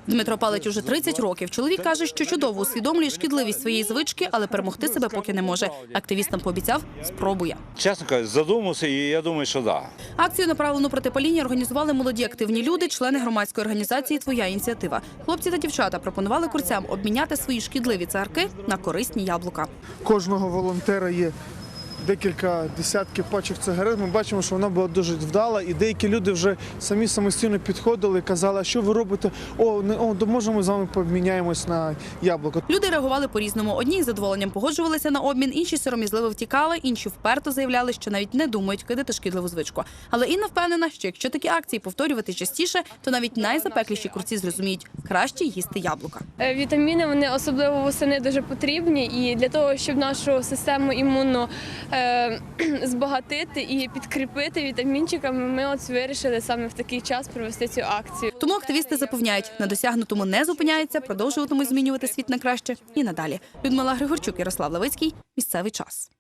Дмитро палить уже 30 років. Чоловік каже, що чудово усвідомлює шкідливість своєї звички, але перемогти себе поки не може. Активістам пообіцяв – спробує. Чесно кажучи, задумався і я думаю, що так. Акцію, направлену проти паління, організували молоді активні люди, члени громадської організації «Твоя ініціатива». Хлопці та дівчата пропонували курцям обміняти свої шкідливі цигарки на корисні яблука. Кожного волонтера є декілька десятків пачок цигарет. Ми бачимо, що вона була дуже вдала, і деякі люди вже самостійно підходили і казали, а що ви робите? Можемо ми з вами поміняємось на яблуко. Люди реагували по-різному. Одні із задоволенням погоджувалися на обмін, інші сором'язливо втікали, інші вперто заявляли, що навіть не думають кидати шкідливу звичку. Але Інна впевнена, що якщо такі акції повторювати частіше, то навіть найзапекліші курці зрозуміють – краще їсти яблука. Вітаміни, вони особливо восени дуже потрібні, і для того, щоб нашу систему імунну збагатити і підкріпити вітамінчиками, ми вирішили саме в такий час провести цю акцію. Тому активісти запевняють, на досягнутому не зупиняються, продовжуватимуть змінювати світ на краще і надалі. Людмила Григорчук, Ярослав Левицький. Місцевий час.